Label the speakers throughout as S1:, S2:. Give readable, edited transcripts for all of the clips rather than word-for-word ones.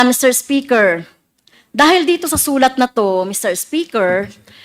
S1: Mr. Speaker, dahil dito sa sulat na to, Mr. Speaker,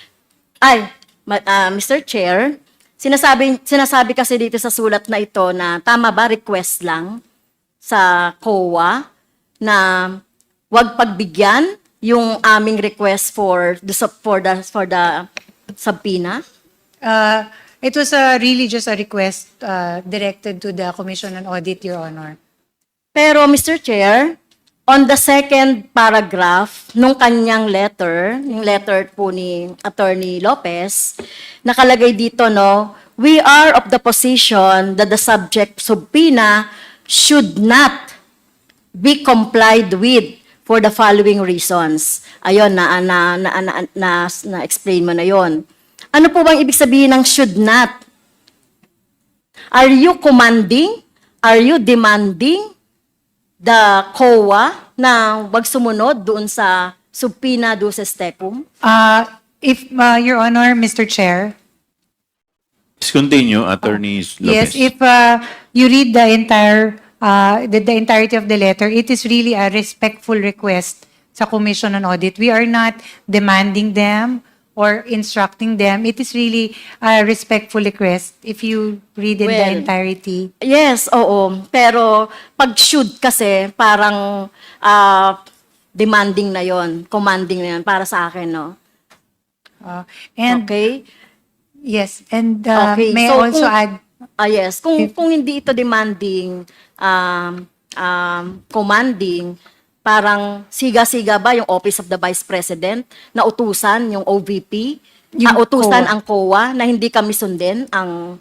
S1: Mr. Chair, sinasabi kasi dito sa sulat na ito na tama ba request lang sa COA na wag pagbigyan yung aming request for the subpoena?
S2: It was really just a request directed to the Commission on Audit, Your Honor.
S1: Pero Mr. Chair, on the second paragraph nung kanyang letter, yung letter po ni Attorney Lopez, nakalagay dito, no, we are of the position that the subject subpoena should not be complied with for the following reasons. Ayun, na-explain mo na yon. Ano po bang ibig sabihin ng should not? Are you commanding? Are you demanding the COA na wag sumunod doon sa subpoena duces tecum?
S2: If, Your Honor, Mr. Chair,
S3: Please continue, Attorney Lopez.
S2: yes, if you read the entirety of the letter, it is really a respectful request sa Commission on Audit. We are not demanding them or instructing them. It is really a respectful request if you read in the
S1: Well,
S2: entirety.
S1: Yes, oo. Pero pag should kasi parang demanding na yon, commanding na yon para sa akin, no?
S2: And
S1: Okay?
S2: yes, and
S1: Okay,
S2: may I
S1: so
S2: also
S1: kung-
S2: add,
S1: Yes, kung hindi ito demanding, commanding, parang siga-siga ba yung Office of the Vice President na utusan yung OVP,
S2: Yung
S1: utusan
S2: COA.
S1: ang COA na hindi kami sundin ang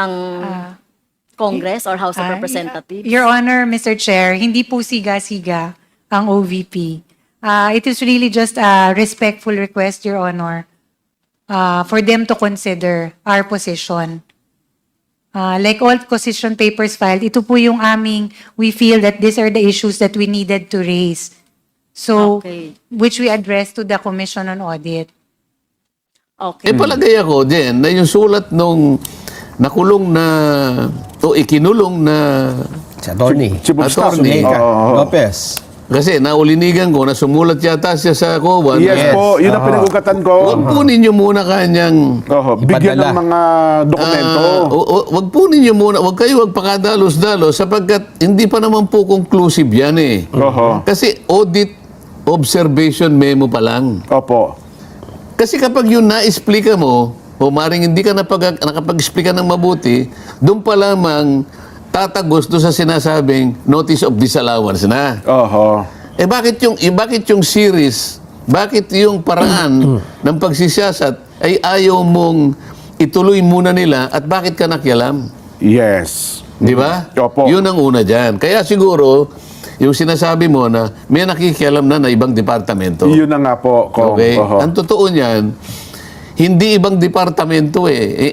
S1: Congress or House of Representatives?
S2: Your Honor, Mr. Chair, hindi po siga-siga ang OVP. It is really just a respectful request, Your Honor, for them to consider our position. Like all position papers filed, ito po yung we feel that these are the issues that we needed to raise. So,
S1: Okay.
S2: which we addressed to the Commission on Audit.
S1: Okay.
S4: palagay ako din na yung sulat nung nakulong na o ikinulong na
S5: Si Attorney.
S6: Chief of Staff.
S4: Attorney.
S6: Oo.
S5: Lopez.
S4: kasi naulinigan ko na sumulat yata siya sa COA.
S6: Yes po, yun ang pinag-ugatan ko.
S4: Huwag po ninyo muna kanyang
S6: Bigyan
S5: Ipadala.
S6: ng mga dokumento.
S4: wag po ninyo muna, wag kayo magpakadalos-dalos sapagkat hindi pa naman po conclusive yan eh.
S6: Oho.
S4: Kasi audit observation memo pa lang.
S6: Opo.
S4: Kasi kapag yun na-explica mo, o maring hindi ka nakapag-explica ng mabuti, doon pa lamang tatagos doon sa sinasabing notice of disallowance na.
S6: Oho.
S4: Bakit yung series, bakit yung paraan ng pagsisiyasat ay ayaw mong ituloy muna nila at bakit ka nakialam?
S6: Yes.
S4: Di ba?
S6: Opo.
S4: Yun ang una dyan. Kaya siguro, yung sinasabi mo na may nakikialam na ibang departamento.
S6: Yun na nga po, Kong.
S4: Okay?
S6: Oho.
S4: Ang totoo niyan, hindi ibang departamento eh.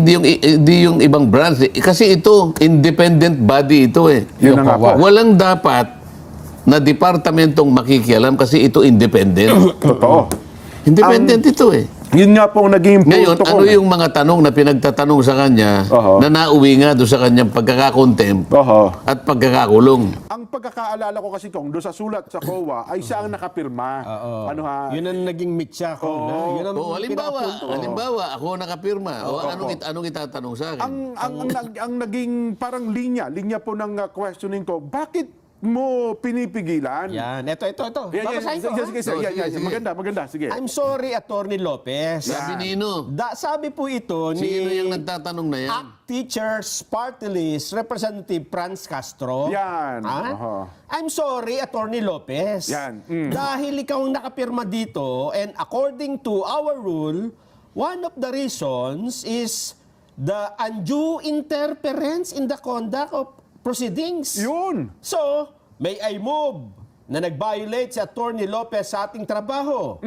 S4: Hindi yung ibang branch eh. Kasi ito, independent body ito eh.
S6: Yun na nga po.
S4: Walang dapat na departamentong makikialam kasi ito independent.
S6: Totoo.
S4: Independent ito eh.
S6: Yun nga po ang naging
S4: Ngayon,
S6: punto ko.
S4: ano yung mga tanong na pinagtatanong sa kanya
S6: Oho.
S4: na nauwi nga doon sa kanyang pagkakakontempt
S6: Oho.
S4: at pagkakakulong?
S6: Ang pagkakaalala ko kasi, Kong, doon sa sulat sa COA ay siya ang nakapirma. Ano ha?
S5: Yun ang naging mitya ko.
S6: Oo.
S5: Yun ang
S4: Halimbawa, ako nakapirma. Anong itatanong sa akin?
S6: Ang naging parang linya po ng questioning ko, bakit mo pinipigilan?
S5: Yan. Ito. Babasahin ko.
S6: Sige,
S4: Sige.
S6: Maganda, sige.
S5: I'm sorry, Attorney Lopez.
S4: Sabi nino.
S5: Sabi po ito ni
S4: Sino yung nagtatanong na yan?
S5: ACT Teachers Party List Representative Franz Castro.
S6: Yan.
S5: Ha?
S6: Oho.
S5: I'm sorry, Attorney Lopez.
S6: Yan.
S5: Dahil ikaw ang nakapirma dito and according to our rule, one of the reasons is the undue interference in the conduct of proceedings.
S6: Yun.
S5: So, may I move na nag-violate si Attorney Lopez sa ating trabaho?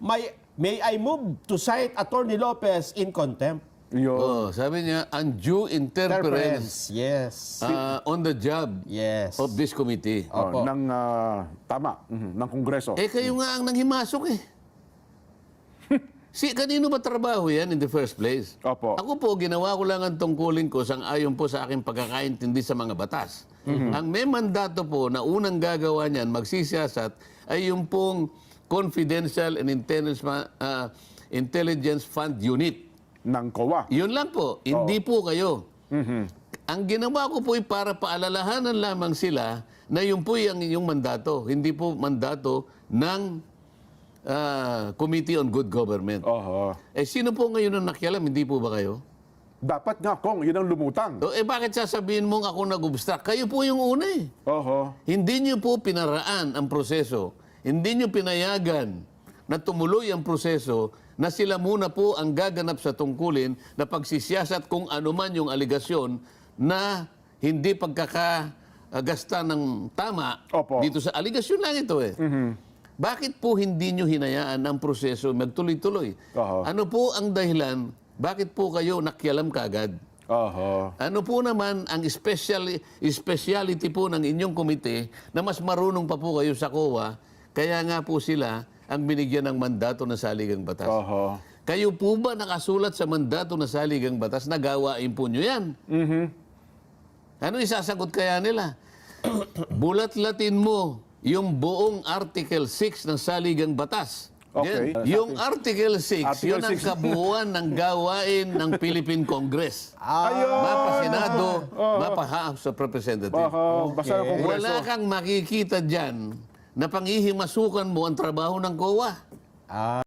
S5: May I move to cite Attorney Lopez in contempt?
S6: Yun.
S4: Oh, sabi niya, undue interference
S5: Yes.
S4: on the job
S5: Yes.
S4: of this committee.
S5: Opo.
S6: Ng, tama, ng Kongreso.
S4: Kayo nga ang nanghimasok eh. Kanino ba trabaho yan in the first place?
S6: Opo.
S4: Ako po, ginawa ko lang ang tungkulin ko sang-ayon po sa aking pagkakaintindi sa mga batas. Ang may mandato po na unang gagawa niyan, magsisiyasat, ay yung pong Confidential and Intelligence Fund Unit.
S6: Ng COA.
S4: Yun lang po, hindi po kayo. Ang ginawa ko po ay para paalalahanan lamang sila na yun po yung inyong mandato. Hindi po mandato ng Committee on Good Government.
S6: Oho.
S4: Sino po ngayon ang nakialam? Hindi po ba kayo?
S6: Dapat nga, Kong, yun ang lumutang.
S4: Bakit sasabihin mong ako nag-obstruct? Kayo po yung una eh.
S6: Oho.
S4: Hindi nyo po pinaraan ang proseso. Hindi nyo pinayagan na tumuloy ang proseso na sila muna po ang gaganap sa tungkulin na pagsisiyasat kung ano man yung aligasyon na hindi pagkakagasta ng tama
S6: Opo.
S4: dito sa aligasyon lang ito eh. Bakit po hindi nyo hinayaan ang proseso magtuloy-tuloy?
S6: Oho.
S4: Ano po ang dahilan? Bakit po kayo nakialam kagad?
S6: Oho.
S4: Ano po naman ang speciality po ng inyong komite na mas marunong pa po kayo sa COA, kaya nga po sila ang binigyan ng mandato ng saligang batas.
S6: Oho.
S4: Kayo po ba nakasulat sa mandato ng saligang batas na gawain po nyo yan? Ano isasagot kaya nila? Bulat-latin mo yung buong Article 6 ng saligang batas.
S6: Okay.
S4: Yan. Yung Article 6,
S6: Article
S4: yun ang
S6: 6.
S4: kabuuan ng gawain ng Philippine Congress.
S6: Ayun!
S4: Mapa Senado, mapa House of Representatives.
S6: Oho. Basta ng Kongreso.
S4: Wala kang makikita dyan na panghihimasukan mo ang trabaho ng COA.